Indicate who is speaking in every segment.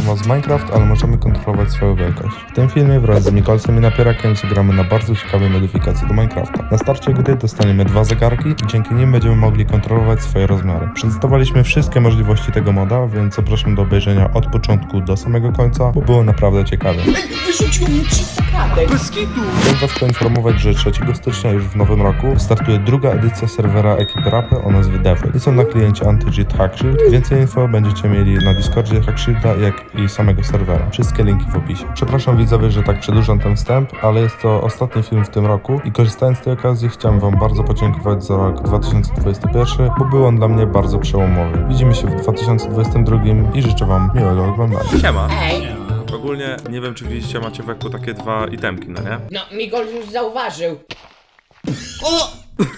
Speaker 1: forma z Minecraft, ale możemy kontrolować swoją wielkość. W tym filmie wraz z Mikolsem i Napierakiem zagramy na bardzo ciekawej modyfikacji do Minecrafta. Na starcie gry dostaniemy 2 zegarki i dzięki nim będziemy mogli kontrolować swoje rozmiary. Przedstawiliśmy wszystkie możliwości tego moda, więc zapraszam do obejrzenia od początku do samego końca, bo było naprawdę ciekawie.
Speaker 2: Wyrzucił mi 300 kratek. Bez kitu.
Speaker 1: Chcę was poinformować, że 3 stycznia już w nowym roku startuje druga edycja serwera ekipy Rapy o nazwie Devil. Jest on na kliencie Anti-Cheat Hackshield. Więcej info będziecie mieli na Discordzie Hackshielda, jak i samego serwera. Wszystkie linki w opisie. Przepraszam widzowie, że tak przedłużam ten wstęp, ale jest to ostatni film w tym roku i korzystając z tej okazji chciałem wam bardzo podziękować za rok 2021, bo był on dla mnie bardzo przełomowy. Widzimy się w 2022 i życzę wam miłego oglądania.
Speaker 3: Siema.
Speaker 2: Ej,
Speaker 3: Ogólnie nie wiem, czy widzicie, macie w eku takie 2 itemki, no nie?
Speaker 2: no Migol już zauważył.
Speaker 4: O!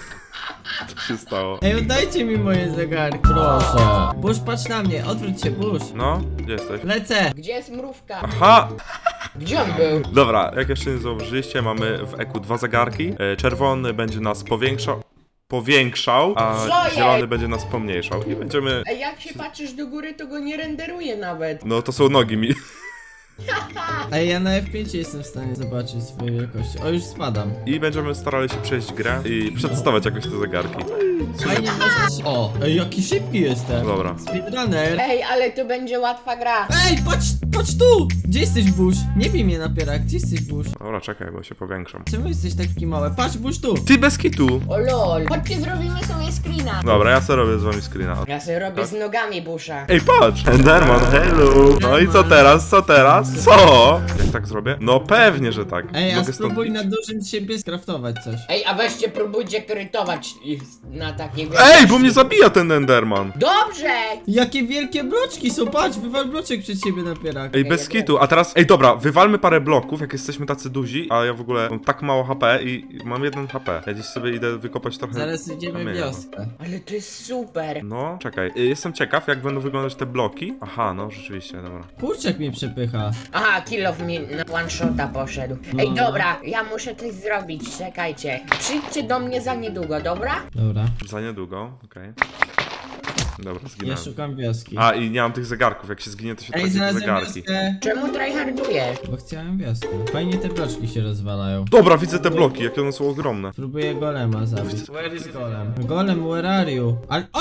Speaker 3: Co się stało?
Speaker 4: Ej, oddajcie mi moje zegarki, proszę. Bush, patrz na mnie, odwróć się, Bush.
Speaker 3: No, gdzie jesteś?
Speaker 4: Lecę.
Speaker 2: Gdzie jest mrówka?
Speaker 3: Aha!
Speaker 2: Gdzie on był?
Speaker 3: Dobra, jak jeszcze nie zauważyliście, mamy w eku 2 zegarki. Czerwony będzie nas powiększał, a
Speaker 2: Co jest?
Speaker 3: zielony będzie nas pomniejszał. I będziemy...
Speaker 2: Ej, jak się patrzysz do góry, to go nie renderuje nawet.
Speaker 3: No to są nogi mi.
Speaker 4: Ej, ja na F5 jestem w stanie zobaczyć swoje wielkości. O, już spadam.
Speaker 3: I będziemy starali się przejść grę i przedstawiać jakoś te zegarki.
Speaker 4: Fajnie można się... O! Ej, jaki szybki jestem.
Speaker 3: Dobra.
Speaker 4: Speedrunner.
Speaker 2: Ej, ale to będzie łatwa gra.
Speaker 4: Ej, patrz tu! Gdzie jesteś, Bush? Nie bij mnie napierak, gdzie jesteś, Bush?
Speaker 3: Dobra, czekaj, bo się powiększam.
Speaker 4: Czemu jesteś taki mały? Patrz, Bush tu!
Speaker 3: Ty bez kitu!
Speaker 2: O lol. Chodźcie, zrobimy sobie screena.
Speaker 3: Dobra, ja sobie robię z wami screena.
Speaker 2: Ja sobie robię z nogami busza.
Speaker 3: Ej, patrz! Enderman, hello! No i co teraz? Co teraz? Co? Jak tak zrobię? No pewnie, że tak.
Speaker 4: Ej, a
Speaker 3: Mogę stąd
Speaker 4: spróbuj
Speaker 3: iść?
Speaker 4: na dużym siebie skraftować coś.
Speaker 2: Ej, a weźcie próbujcie krytować ich na takie
Speaker 3: Ej, bo mnie zabija ten Enderman!
Speaker 2: Dobrze!
Speaker 4: Jakie wielkie bloczki są, patrz, wywal bloczek przed siebie napierak.
Speaker 3: Ej, bez kitu, a teraz... Ej, dobra, wywalmy parę bloków, jak jesteśmy tacy duzi, a ja w ogóle mam tak mało HP i mam 1 HP. Ja dziś sobie idę wykopać trochę...
Speaker 4: Zaraz idziemy w
Speaker 3: kamienia.
Speaker 4: wioskę.
Speaker 2: Ale to jest super.
Speaker 3: No, czekaj, jestem ciekaw, jak będą wyglądać te bloki. Aha, no, rzeczywiście, dobra.
Speaker 4: Kurczak mnie przepycha.
Speaker 2: Aha, kill of mi na one shota poszedł. Ej, dobra, ja muszę coś zrobić, czekajcie. Przyjdźcie do mnie za niedługo, dobra?
Speaker 4: Dobra.
Speaker 3: Za niedługo, okej. Dobra,
Speaker 4: Ja
Speaker 3: zginąłem.
Speaker 4: szukam wioski.
Speaker 3: A, i nie mam tych zegarków, jak się zginie, to się
Speaker 4: Ej,
Speaker 3: traci te
Speaker 4: znalazłem
Speaker 3: zegarki.
Speaker 4: wioskę.
Speaker 2: Czemu tryhardujesz?
Speaker 4: Bo chciałem wioskę. Fajnie te bloczki się rozwalają.
Speaker 3: Dobra, widzę te bloki, jakie one są ogromne.
Speaker 4: Próbuję golema zabić. Where is golem? Golem, where are you?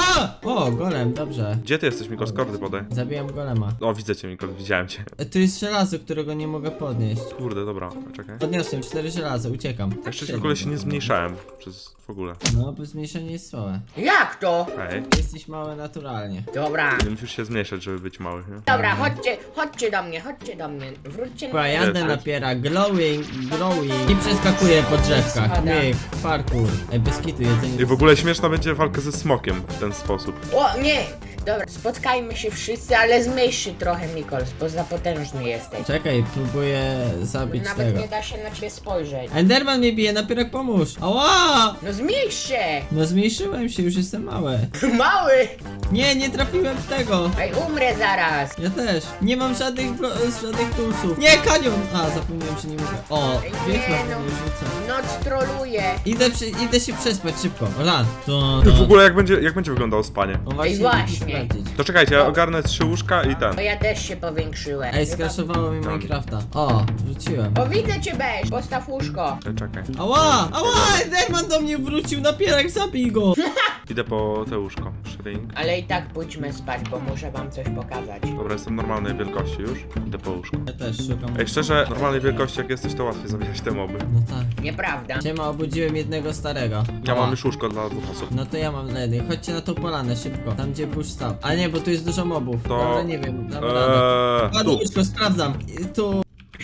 Speaker 4: O, golem, dobrze.
Speaker 3: Gdzie ty jesteś, Mikol? Skordy podaj.
Speaker 4: Zabiłem golema.
Speaker 3: O, widzę cię, Mikol, widziałem cię.
Speaker 4: Tu jest żelazo, którego nie mogę podnieść.
Speaker 3: Kurde, dobra, czekaj.
Speaker 4: Podniosłem 4 żelazo, uciekam.
Speaker 3: Jeszcze w ogóle się nie zmniejszałem przez w ogóle.
Speaker 4: No, bo zmniejszenie jest słabe.
Speaker 2: Jak to?
Speaker 3: Ej,
Speaker 4: Jesteś mały naturalnie.
Speaker 2: Dobra.
Speaker 3: nie musisz się zmniejszać, żeby być mały, nie?
Speaker 2: Dobra, chodźcie do mnie. Wróćcie
Speaker 4: Dobra,
Speaker 2: na...
Speaker 4: jadę napiera, glowing i przeskakuję po drzewkach.
Speaker 2: Spada.
Speaker 4: Myk, parkour. Ej, bez kitu, jedzenie.
Speaker 3: I w ogóle śmieszna będzie walka ze smokiem w ten sposób.
Speaker 2: O, nie! Dobra, spotkajmy się wszyscy, ale zmniejsz się trochę, Mikols, bo za potężny jesteś.
Speaker 4: Czekaj, próbuję zabić
Speaker 2: Nawet
Speaker 4: tego.
Speaker 2: nie da się na ciebie spojrzeć.
Speaker 4: Enderman mnie bije, napierak pomóż. Ała!
Speaker 2: No zmniejsz się!
Speaker 4: No zmniejszyłem się, już jestem mały.
Speaker 2: Mały!
Speaker 4: Nie trafiłem w tego.
Speaker 2: Ej, umrę zaraz!
Speaker 4: Ja też. Nie mam żadnych tulsów. Nie, kanion! A, zapomniałem, że nie mogę. O,
Speaker 2: Ej,
Speaker 4: wiesz,
Speaker 2: nie,
Speaker 4: na
Speaker 2: no.
Speaker 4: mnie rzucę.
Speaker 2: Noc troluje!
Speaker 4: Idę się przespać szybko. Run.
Speaker 3: W ogóle jak będzie wyglądało spanie?
Speaker 4: No
Speaker 2: Ej,
Speaker 4: idę
Speaker 2: właśnie.
Speaker 4: sprawdzić.
Speaker 3: To czekajcie, ja ogarnę 3 łóżka i ten.
Speaker 2: Bo ja też się powiększyłem.
Speaker 4: Ej, skraszowało mi Minecrafta. O, wrzuciłem.
Speaker 2: O, widzę cię, Beż! Postaw łóżko.
Speaker 3: Czekaj.
Speaker 4: Ała! Enderman do mnie wrócił, napierak, zabij go!
Speaker 3: Idę po te łóżko. Shrink.
Speaker 2: Ale i tak pójdźmy spać, bo muszę wam coś pokazać.
Speaker 3: Dobra, jestem normalnej wielkości już. Idę po łóżko.
Speaker 4: Ja też szukam.
Speaker 3: Ej, szczerze, normalnej wielkości jak jesteś, to łatwiej zabijać te moby.
Speaker 4: No tak.
Speaker 2: Nieprawda.
Speaker 4: Siema, obudziłem jednego starego.
Speaker 3: Ja
Speaker 4: Ała.
Speaker 3: mam już łóżko dla 2 osób.
Speaker 4: No to ja mam dla jednej. Chodźcie na tą polanę, szybko. Tam gdzie Bush stał. Ale nie, bo tu jest dużo mobów.
Speaker 3: To-
Speaker 4: Dobra, nie wiem, dam radę.
Speaker 3: Tu.
Speaker 4: Łóżko, sprawdzam. Tu.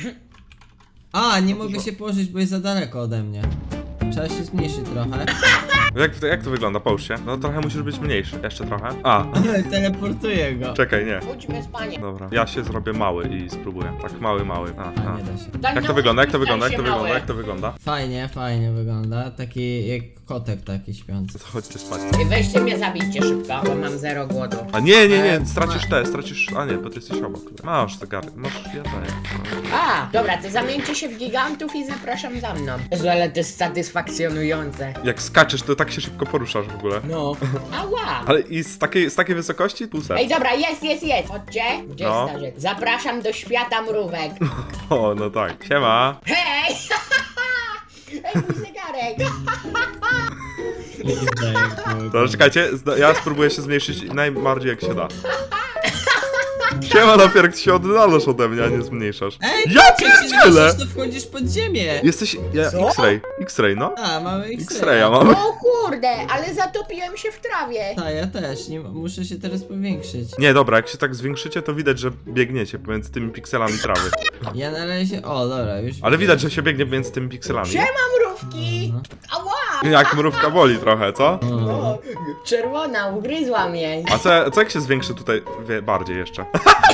Speaker 4: A, nie mogę się położyć, bo jest za daleko ode mnie. Trzeba się zmniejszyć trochę.
Speaker 3: Jak to wygląda? Połóż się. No trochę musisz być mniejszy. Jeszcze trochę. A,
Speaker 4: Teleportuję go.
Speaker 3: czekaj, nie.
Speaker 2: Pójdźmy spanie.
Speaker 3: Dobra, ja się zrobię mały i spróbuję. Tak, mały.
Speaker 4: A, nie da się.
Speaker 2: Daj
Speaker 3: Jak
Speaker 2: na
Speaker 3: to wygląda? Jak to
Speaker 2: łóżku,
Speaker 3: wygląda?
Speaker 2: stań
Speaker 3: Jak to
Speaker 2: się
Speaker 3: wygląda?
Speaker 2: mały.
Speaker 3: Jak to wygląda?
Speaker 4: Fajnie wygląda. Taki jak kotek taki śpiący.
Speaker 3: To chodźcie spać.
Speaker 2: Ej, weźcie mnie, zabijcie szybko, bo mam 0 głodu.
Speaker 3: A nie, stracisz. A nie, bo ty jesteś obok. Masz zegary, masz jedzenie.
Speaker 2: A, dobra, to zamieńcie się w gigantów i zapraszam za mną. Jezu, ale to jest satysfakcjonujące.
Speaker 3: Jak skaczesz, to tak się szybko poruszasz w ogóle.
Speaker 2: No. Ała!
Speaker 3: Ale i z takiej wysokości? Tu
Speaker 2: Ej, dobra, jest. Chodźcie. Gdzie
Speaker 3: No.
Speaker 2: jest starzec? Zapraszam do świata mrówek.
Speaker 3: O, no tak. Siema.
Speaker 2: Hej! Ej, mój zegarek!
Speaker 3: To czekajcie, ja spróbuję się zmniejszyć najbardziej jak się da. Siema, Napierk, ty się oddalasz ode mnie, a nie zmniejszasz.
Speaker 4: Ej,
Speaker 3: Ja
Speaker 4: jak się
Speaker 3: pierdzielę!
Speaker 4: zniszczysz, to wchodzisz pod ziemię.
Speaker 3: Jesteś...
Speaker 2: Co?
Speaker 3: X-ray, no.
Speaker 4: A, mamy
Speaker 3: X-raya mamy.
Speaker 2: O kurde, ale zatopiłem się w trawie.
Speaker 4: Tak, ja też, nie, muszę się teraz powiększyć.
Speaker 3: Nie, dobra, jak się tak zwiększycie, to widać, że biegniecie pomiędzy tymi pikselami trawy.
Speaker 4: Ja na razie, o dobra, już.
Speaker 3: Ale widać, że się biegnie między tymi pikselami.
Speaker 2: Siema mrówki! Ała!
Speaker 3: Jak mrówka boli trochę, co?
Speaker 2: O, czerwona, ugryzła mnie.
Speaker 3: A co jak się zwiększy tutaj bardziej jeszcze?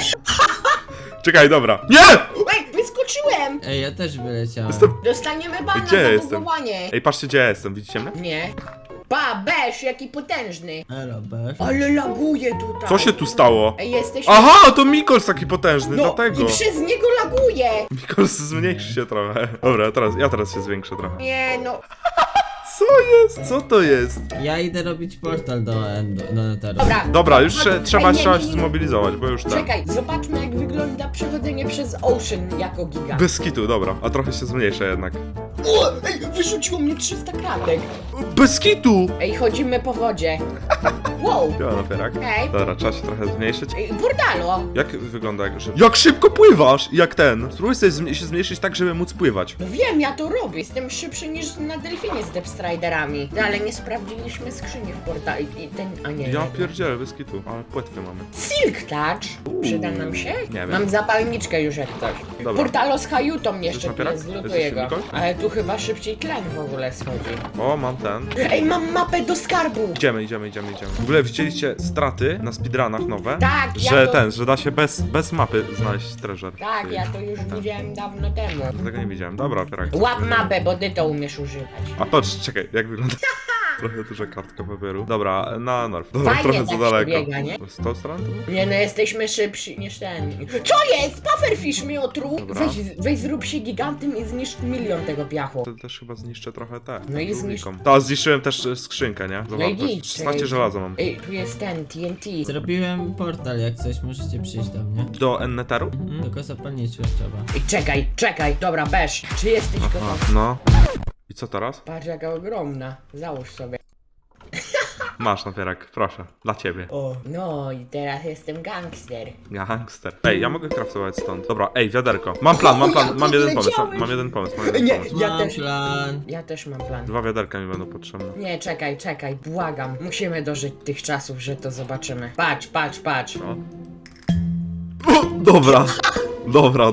Speaker 3: Czekaj, dobra. Nie!
Speaker 2: Ej, wyskoczyłem!
Speaker 4: Ej, ja też wyleciałem.
Speaker 3: Jestem...
Speaker 2: Dostaniemy bana
Speaker 3: Gdzie ja
Speaker 2: za
Speaker 3: jestem?
Speaker 2: bugowanie.
Speaker 3: Ej, patrzcie, gdzie ja jestem, widzicie mnie?
Speaker 2: Nie. Pa, Besz, jaki potężny.
Speaker 4: Elo, Besz.
Speaker 2: Ale laguje tutaj.
Speaker 3: Co się tu stało?
Speaker 2: Ej, jesteśmy...
Speaker 3: Aha, to Mikols taki potężny,
Speaker 2: No
Speaker 3: dlatego.
Speaker 2: i przez niego laguje.
Speaker 3: Mikols zmniejszy się trochę. Dobra, ja teraz się zwiększę trochę.
Speaker 2: Nie no.
Speaker 3: Co jest? Co to jest?
Speaker 4: Ja idę robić portal do Netheru.
Speaker 2: Dobra.
Speaker 3: Dobra, już trzeba
Speaker 2: Ej,
Speaker 3: się
Speaker 2: nie.
Speaker 3: zmobilizować, bo już tak.
Speaker 2: Czekaj, zobaczmy jak wygląda przechodzenie przez Ocean jako giga.
Speaker 3: Bez kitu, dobra, a trochę się zmniejszę jednak.
Speaker 2: O, ej, wyrzuciło mnie 300 kratek.
Speaker 3: Bez kitu!
Speaker 2: Ej, chodzimy po wodzie. Wow.
Speaker 3: Ja Napierak.
Speaker 2: Ej.
Speaker 3: Dobra, trzeba się trochę zmniejszyć.
Speaker 2: Ej, Bordalo.
Speaker 3: Jak wygląda jak szybko? Jak szybko pływasz! Jak ten! Spróbuj sobie się zmniejszyć tak, żeby móc pływać.
Speaker 2: No wiem, ja to robię. Jestem szybszy niż na delfinie z Depstriderami. No, ale nie sprawdziliśmy skrzyni w portalu i ten... A nie,
Speaker 3: Ja
Speaker 2: nie.
Speaker 3: pierdzielę, bez kitu, ale płetwy mamy.
Speaker 2: Silk Touch. Przyda nam się?
Speaker 3: Nie wiem.
Speaker 2: Mam zapalniczkę już jak coś.
Speaker 3: Dobra.
Speaker 2: Portalo z Hayutą jeszcze tu
Speaker 3: napierak?
Speaker 2: jest, zlutuję
Speaker 3: Jesteś
Speaker 2: go.
Speaker 3: silnikoś?
Speaker 2: Ale tu chyba szybciej tlen w ogóle schodzi.
Speaker 3: O, mam ten.
Speaker 2: Ej, mam mapę do skarbu!
Speaker 3: Idziemy. W ogóle widzieliście straty na speedrunach nowe?
Speaker 2: Tak, ja
Speaker 3: Że
Speaker 2: to...
Speaker 3: że da się bez mapy znaleźć treasure.
Speaker 2: Tak, ja to już widziałem dawno temu.
Speaker 3: Tego nie widziałem. Dobra, Pierak.
Speaker 2: Łap mapę, bo ty to umiesz używać.
Speaker 3: A patrz, czekaj, jak wygląda. Trochę duża kartka papieru. Dobra, na Norf. Dobra,
Speaker 2: Fajnie
Speaker 3: trochę
Speaker 2: tak
Speaker 3: za
Speaker 2: się
Speaker 3: daleko.
Speaker 2: biega, nie?
Speaker 3: Z tą stroną to było?
Speaker 2: Nie no, jesteśmy szybsi niż ten. Co jest? Pufferfish mnie otruł?
Speaker 3: Dobra.
Speaker 2: Weź zrób się gigantem i zniszcz 1 000 000 tego piachu.
Speaker 3: To też chyba zniszczę trochę te.
Speaker 2: No i
Speaker 3: żółwikom. To zniszczyłem też skrzynkę, nie?
Speaker 2: No i
Speaker 3: Zobacz,
Speaker 2: git,
Speaker 3: 16
Speaker 2: czekaj.
Speaker 3: żelaza mam.
Speaker 2: Ej, tu jest ten, TNT.
Speaker 4: Zrobiłem portal, jak coś, możecie przyjść do mnie.
Speaker 3: Do Enneteru?
Speaker 4: Tylko zapalniczkę trzeba.
Speaker 2: Ej, czekaj. Dobra, Besz, czy jesteś
Speaker 3: Aha,
Speaker 2: gotowy?
Speaker 3: no. I co teraz?
Speaker 2: Patrz jaka ogromna. Załóż sobie.
Speaker 3: Masz Napierak, proszę. Dla ciebie.
Speaker 2: O, no i teraz jestem gangster.
Speaker 3: Gangster. Ej, ja mogę craftować stąd. Dobra, ej, wiaderko. Mam plan, mam
Speaker 2: jak
Speaker 3: jeden pomysł.
Speaker 2: odleciałeś.
Speaker 3: Mam jeden pomysł.
Speaker 2: Nie,
Speaker 3: pomysł.
Speaker 2: ja
Speaker 4: Mam
Speaker 2: też.
Speaker 4: plan.
Speaker 2: Ja też mam plan.
Speaker 3: 2 wiaderka mi będą potrzebne.
Speaker 2: Nie, czekaj, błagam. Musimy dożyć tych czasów, że to zobaczymy. Patrz.
Speaker 3: No. O, dobra. Dobra.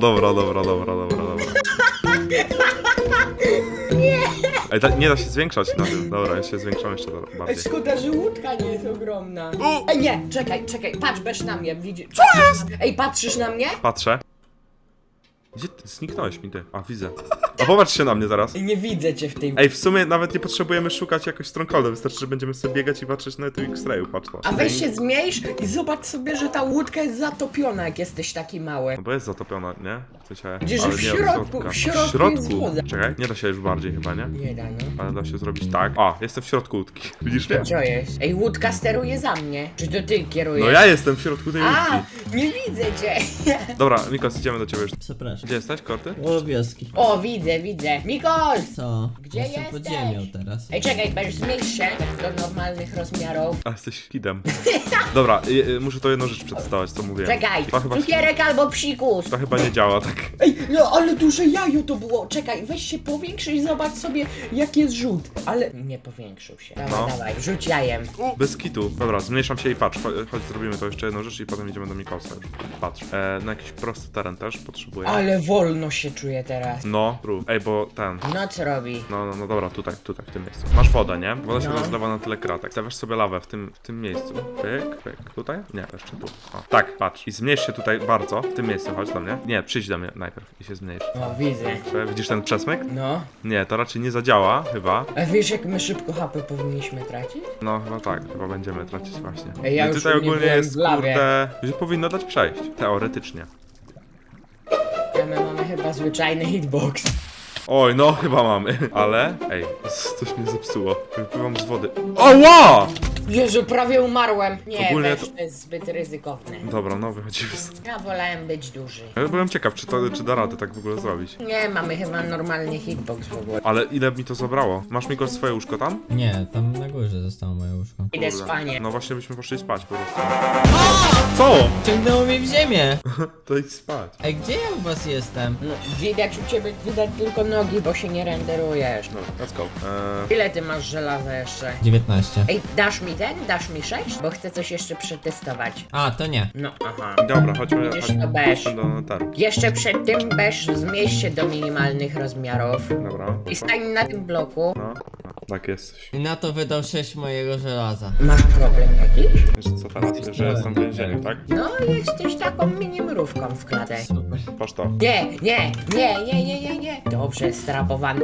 Speaker 3: Ej, nie da się zwiększać na tym. Dobra, ja się zwiększam jeszcze
Speaker 2: Ej,
Speaker 3: bardziej.
Speaker 2: szkoda, że łódka nie jest ogromna.
Speaker 3: O!
Speaker 2: Ej, nie, czekaj, patrz, Besz na mnie, widzisz? Co jest? Ej, patrzysz na mnie?
Speaker 3: Patrzę. Gdzie ty? Zniknąłeś mi ty. A, widzę. A popatrz się na mnie zaraz.
Speaker 2: Ej, nie widzę cię w tej...
Speaker 3: Ej, w sumie nawet nie potrzebujemy szukać jakoś strongholdu, wystarczy, że będziemy sobie biegać i patrzeć na tym X-rayu, patrz to.
Speaker 2: A weź się zmniejsz i zobacz sobie, że ta łódka jest zatopiona, jak jesteś taki mały.
Speaker 3: No bo jest zatopiona, nie? W sensie,
Speaker 2: Gdzieś
Speaker 3: ale
Speaker 2: w
Speaker 3: nie
Speaker 2: środku,
Speaker 3: od środka.
Speaker 2: w środku jest woda.
Speaker 3: Czekaj, nie da się już bardziej chyba, nie?
Speaker 2: Nie da, no.
Speaker 3: Ale da się zrobić tak. A, jestem w środku łódki. Widzisz mnie?
Speaker 2: Co jest? Ej, łódka steruje za mnie. Czy to ty kierujesz?
Speaker 3: No ja jestem w środku tej
Speaker 2: A,
Speaker 3: łódki.
Speaker 2: nie widzę cię.
Speaker 3: Dobra, Mikos, idziemy do ciebie już.
Speaker 4: Przepraszam.
Speaker 3: Gdzie jesteś, Korty?
Speaker 4: O, wioski.
Speaker 2: O, widzę. Mikol!
Speaker 4: Co?
Speaker 2: Gdzie
Speaker 4: Jestem
Speaker 2: jesteś?
Speaker 4: pod ziemią teraz.
Speaker 2: Ej, czekaj, będziesz zmniejsz się do normalnych rozmiarów.
Speaker 3: A, jesteś kidem. Dobra, muszę to jedną rzecz przedstawiać, co mówiłem.
Speaker 2: Czekaj,
Speaker 3: To chyba,
Speaker 2: cukierek albo psikus.
Speaker 3: to chyba nie działa tak.
Speaker 2: Ej, no ale duże jajo to było. Czekaj, weź się powiększy i zobacz sobie, jak jest rzut. Ale nie powiększył się.
Speaker 3: No.
Speaker 2: Dawaj, rzuć jajem.
Speaker 3: Bez kitu. Dobra, zmniejszam się i patrz. Chodź, zrobimy to jeszcze jedną rzecz i potem idziemy do Mikosa już. Patrz. Na jakiś prosty teren też potrzebuję.
Speaker 2: Ale wolno się czuję teraz.
Speaker 3: No, rób. Ej, bo ten.
Speaker 2: No co robi?
Speaker 3: No dobra, tutaj, w tym miejscu. Masz wodę, nie? Woda się
Speaker 2: No.
Speaker 3: rozlewa na tyle kratek. Stawiasz sobie lawę w tym miejscu. Pyk. Tutaj? Nie, jeszcze tu. O, tak, patrz. I zmniejsz się tutaj bardzo. W tym miejscu, chodź do mnie. Nie, przyjdź do mnie najpierw i się zmniejsz.
Speaker 2: O, widzę.
Speaker 3: Widzisz ten przesmyk?
Speaker 2: No.
Speaker 3: Nie, to raczej nie zadziała, chyba.
Speaker 2: A wiesz, jak my szybko HP powinniśmy tracić?
Speaker 3: No, chyba tak, chyba będziemy tracić właśnie.
Speaker 2: Ej, ja
Speaker 3: I
Speaker 2: już
Speaker 3: tutaj
Speaker 2: nie
Speaker 3: ogólnie
Speaker 2: byłem
Speaker 3: jest,
Speaker 2: w lawie.
Speaker 3: kurde, że powinno dać przejść. Teoretycznie.
Speaker 2: A my mamy chyba zwyczajny hitbox.
Speaker 3: Oj, no chyba mamy. Ale, ej, coś mnie zepsuło. Wypływam z wody. Oła!
Speaker 2: Jezu, prawie umarłem. Nie,
Speaker 3: Ogólnie
Speaker 2: weź,
Speaker 3: to-
Speaker 2: to jest zbyt ryzykowne.
Speaker 3: Dobra, no wychodzimy.
Speaker 2: Ja wolałem być duży.
Speaker 3: Ja byłem ciekaw, czy da radę tak w ogóle zrobić.
Speaker 2: Nie, mamy chyba normalny hitbox w ogóle.
Speaker 3: Ale ile mi to zabrało? Masz Miko swoje łóżko tam?
Speaker 4: Nie, tam na górze zostało moje łóżko.
Speaker 2: Idę
Speaker 3: Kurde.
Speaker 2: spanie.
Speaker 3: No właśnie byśmy poszli spać po prostu. Co?
Speaker 4: Ciągnęło mnie w ziemię!
Speaker 3: To idź spać.
Speaker 4: Ej, gdzie ja u was jestem?
Speaker 2: No, widać u ciebie, widać tylko nogi, bo się nie renderujesz.
Speaker 3: No, let's go.
Speaker 2: Ile ty masz żelaza jeszcze?
Speaker 4: 19.
Speaker 2: Ej, dasz mi ten? Dasz mi 6? Bo chcę coś jeszcze przetestować.
Speaker 4: A, to nie.
Speaker 2: No, aha.
Speaker 3: Dobra, chodźmy
Speaker 2: Widzisz, to beż.
Speaker 3: do notaru.
Speaker 2: Jeszcze przed tym beż zmieść się do minimalnych rozmiarów.
Speaker 3: Dobra.
Speaker 2: I stań na tym bloku.
Speaker 3: No, tak jesteś.
Speaker 4: I na to wydał 6 mojego żelaza.
Speaker 2: Masz problem jakiś?
Speaker 3: Wiesz co teraz? Że jestem w więzieniu, tak?
Speaker 2: No, jesteś taką mini mrówką w klatę.
Speaker 4: Super.
Speaker 3: Patrz to.
Speaker 2: Nie. Dobrze, strapowany.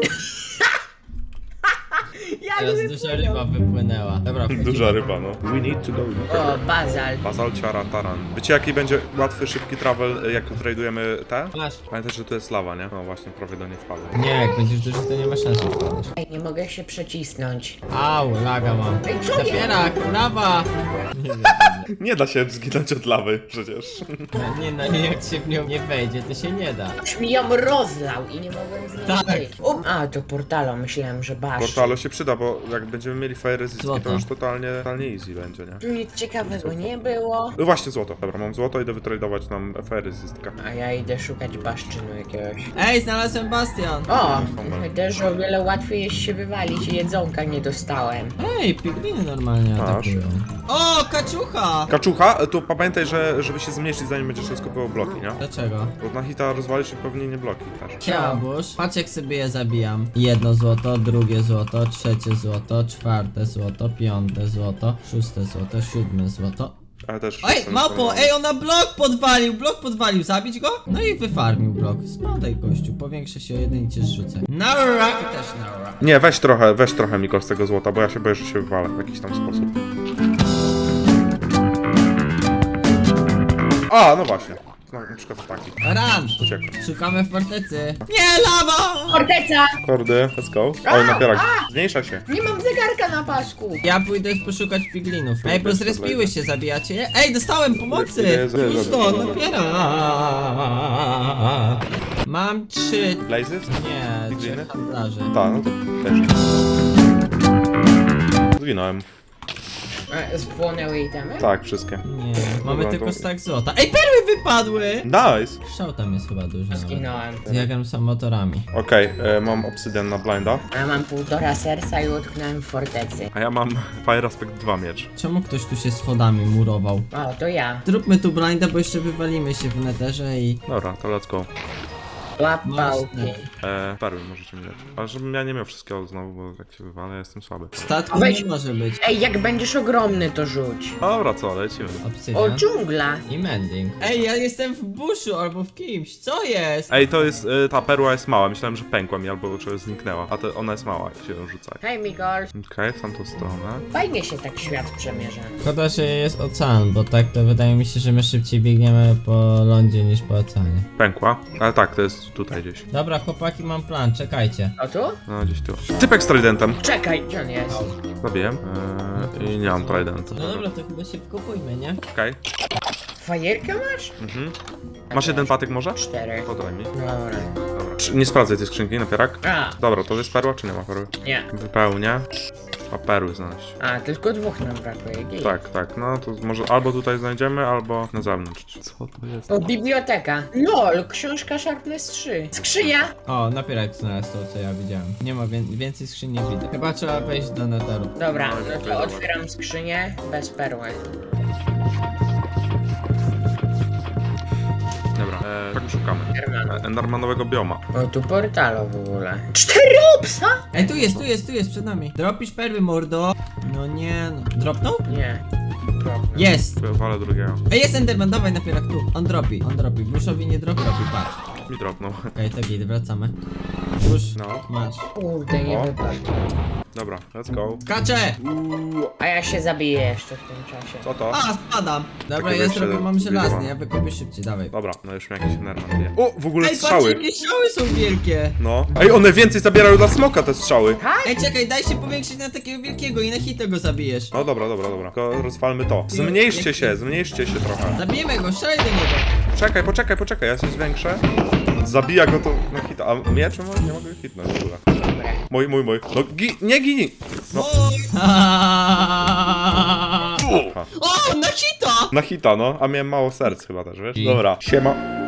Speaker 2: Jak
Speaker 4: Teraz duża ryba wypłynęła. Dobra, wchodzimy.
Speaker 3: Duża ryba, no. We need to go.
Speaker 2: O, bazal.
Speaker 3: Basal Ciara Taran. Wiecie jaki będzie łatwy, szybki travel, jak tradujemy te?
Speaker 4: Masz.
Speaker 3: Pamiętaj, że tu jest lawa, nie? No właśnie, prawie do niej wpadłem.
Speaker 4: Nie, jak będziesz duży, to nie ma szans wpadać.
Speaker 2: Ej, nie mogę się przecisnąć.
Speaker 4: Au, laga mam.
Speaker 2: Ej, co jest?
Speaker 4: Napierak, lawa! Nie wiem.
Speaker 3: Nie da się zginąć od lawy, przecież.
Speaker 4: Nie no, jak się w nią nie wejdzie, to się nie da.
Speaker 2: Już mi ją rozlał i nie mogłem z niej
Speaker 4: Tak.
Speaker 2: wyjść. A, to portalo, myślałem, że basz.
Speaker 3: Portalo się przyda, bo jak będziemy mieli fire resistki, to
Speaker 4: Złoto.
Speaker 3: już totalnie easy będzie, nie?
Speaker 2: Nic ciekawego nie było.
Speaker 3: No właśnie złoto. Dobra, mam złoto, idę wytradować nam fire resistkę.
Speaker 2: A ja idę szukać baszczynu jakiegoś.
Speaker 4: Ej, znalazłem bastion!
Speaker 2: O! Też o wiele łatwiej jest się wywalić i jedzonka nie dostałem.
Speaker 4: Ej, pigliny normalnie
Speaker 3: Masz.
Speaker 4: atakują. O, kaczucha!
Speaker 3: Kaczucha, to pamiętaj, że żeby się zmniejszyć, zanim będziesz rozkopywał bloki, nie?
Speaker 4: Dlaczego?
Speaker 3: Bo na hita rozwalisz i pewnie nie bloki też.
Speaker 4: Chciałabym. Patrz jak sobie je zabijam. Jedno złoto, drugie złoto, trzecie złoto, czwarte złoto, piąte złoto, szóste złoto, siódme złoto.
Speaker 3: Ale też...
Speaker 4: Ej,
Speaker 3: jestem
Speaker 4: małpo,
Speaker 3: zdenerwowany.
Speaker 4: ej, ona blok podwalił, zabić go? No i wyfarmił blok. Spadaj gościu, powiększę się o jeden i cię zrzucę. Naura! I też naura.
Speaker 3: Nie, weź trochę Miko z tego złota, bo ja się boję, że się wywalę w jakiś tam sposób. A, no właśnie. No, na przykład taki.
Speaker 4: Ran!
Speaker 3: Uciekł.
Speaker 4: Szukamy fortecy. Nie, lawa!
Speaker 2: Forteca!
Speaker 3: Kordy, let's go. Oj, napierak. Zmniejsza się.
Speaker 2: Nie mam zegarka na pasku!
Speaker 4: Ja pójdę poszukać piglinów. Ej, bo zrespiły się, zabijacie je? Ej, dostałem pomocy!
Speaker 3: Ile-
Speaker 4: Pusto, napiera! Mam 3.
Speaker 3: Blazes?
Speaker 4: Nie,
Speaker 3: Pigliny?
Speaker 4: 3 handlarzy.
Speaker 3: Tak, no to też. Zginąłem.
Speaker 2: Spłonęły itemy?
Speaker 3: Tak, wszystkie.
Speaker 4: Nie, mamy
Speaker 3: Dobra,
Speaker 4: tylko
Speaker 3: to-
Speaker 4: stak złota. Ej, perły wypadły!
Speaker 3: Nice!
Speaker 4: Szał tam jest chyba duży. nawet.
Speaker 2: Zginąłem.
Speaker 4: Ja gram sam motorami.
Speaker 3: Okej, mam obsydian na blinda,
Speaker 2: A mam 1,5 serca i utknąłem w fortecy.
Speaker 3: a ja mam Fire Aspect 2 miecz.
Speaker 4: Czemu ktoś tu się schodami murował?
Speaker 2: O, to ja.
Speaker 4: Zróbmy tu blinda, bo jeszcze wywalimy się w netherze i...
Speaker 3: Dobra, to let's go.
Speaker 2: Łap
Speaker 4: Masz
Speaker 2: pałki.
Speaker 3: Perły możecie mi dać. Ale żebym ja nie miał wszystkiego znowu, bo jak się wywalę, ja jestem słaby.
Speaker 4: W statku
Speaker 2: Weź-
Speaker 4: nie może być.
Speaker 2: Ej, jak będziesz ogromny, to rzuć.
Speaker 3: Dobra, co, lecimy.
Speaker 2: O,
Speaker 4: Obsydian.
Speaker 2: dżungla.
Speaker 4: I mending. Ej, ja jestem w buszu albo w kimś. Co jest?
Speaker 3: Ej, to jest, ta perła jest mała, myślałem, że pękła mi albo że zniknęła, a ona jest mała, jak się ją rzuca.
Speaker 2: Hej, Migol.
Speaker 3: Okej, w tamtą stronę.
Speaker 2: Fajnie się tak świat przemierza.
Speaker 4: Szkoda, że jest ocean, bo tak to wydaje mi się, że my szybciej biegniemy po lądzie niż po oceanie.
Speaker 3: Pękła, ale tak, to jest tutaj gdzieś.
Speaker 4: Dobra, chłopaki, mam plan, czekajcie.
Speaker 2: O tu?
Speaker 3: No, gdzieś tu. Typek z tridentem.
Speaker 2: Czekaj, gdzie on jest?
Speaker 3: Zabiłem. I nie mam tridentu.
Speaker 4: No dobra, to chyba się wkopujmy, nie?
Speaker 3: Okej.
Speaker 2: Fajerkę masz?
Speaker 3: Mhm. Masz jeden patyk może?
Speaker 2: 4.
Speaker 3: Podaj mi.
Speaker 2: Dobra.
Speaker 3: Dobra. Nie sprawdzaj tej skrzynki, napierak.
Speaker 2: A,
Speaker 3: Dobra, to jest perła, czy nie ma perły?
Speaker 2: nie.
Speaker 3: Wypełnia. A perły znaleźć.
Speaker 2: A, tylko 2 nam brakuje. Gej.
Speaker 3: Tak, no to może albo tutaj znajdziemy, albo na zewnątrz. Co to jest?
Speaker 2: O, biblioteka. LOL, książka Sharpness 3. Skrzynia!
Speaker 4: O, napierak znalazł to, co ja widziałem. Nie ma więcej skrzyń nie widzę. Chyba trzeba wejść do netheru.
Speaker 2: Dobra,
Speaker 3: No,
Speaker 2: no
Speaker 3: dziękuję,
Speaker 2: to
Speaker 3: dobra.
Speaker 2: otwieram skrzynię bez perły.
Speaker 3: Dobra, tak szukamy. Endermanowego bioma.
Speaker 2: O, tu portalo w ogóle. 4 obsa?
Speaker 4: Ej, tu jest, przed nami. Dropisz perły, mordo. No nie, no. Dropnął?
Speaker 2: Nie.
Speaker 4: Jest!
Speaker 3: Walę drugiego.
Speaker 4: Ej, jest Enderman, dawaj napierak tu. On dropi. Buszowi nie dropi, patrz.
Speaker 3: Mi dropnął.
Speaker 4: Okej, to git, wracamy. Już,
Speaker 3: No.
Speaker 4: masz.
Speaker 2: Kurde, nie
Speaker 3: O.
Speaker 2: wypadł.
Speaker 3: Dobra, let's go.
Speaker 4: Kacze!
Speaker 2: A ja się zabiję jeszcze w tym czasie.
Speaker 3: Co to?
Speaker 4: A, spadam. Dobra,
Speaker 3: Takie
Speaker 4: ja
Speaker 3: wyjście
Speaker 4: zrobię, mam
Speaker 3: do
Speaker 4: żelazny,
Speaker 3: biura.
Speaker 4: ja wykopię szybciej, dawaj.
Speaker 3: Dobra, no już mi jakiś Enderman bije. O, w ogóle
Speaker 4: Ej, patrz,
Speaker 3: strzały.
Speaker 4: jakie strzały są wielkie.
Speaker 3: No. Ej, one więcej zabierają dla smoka te strzały.
Speaker 4: Ej, czekaj, daj się powiększyć na takiego wielkiego i na hita go zabijesz.
Speaker 3: No dobra. Tylko rozwalmy to. Zmniejszcie się trochę.
Speaker 4: Zabijemy go, strzelaj do niego.
Speaker 3: Poczekaj, ja się zwiększę. Zabija go to na hita. A miecz nie mogę hitnąć w ogóle.
Speaker 2: Dobra.
Speaker 3: Mój. No nie gini! No.
Speaker 4: O, na hita!
Speaker 3: Na hita, no. A miałem mało serc chyba też, wiesz? Dobra. Siema.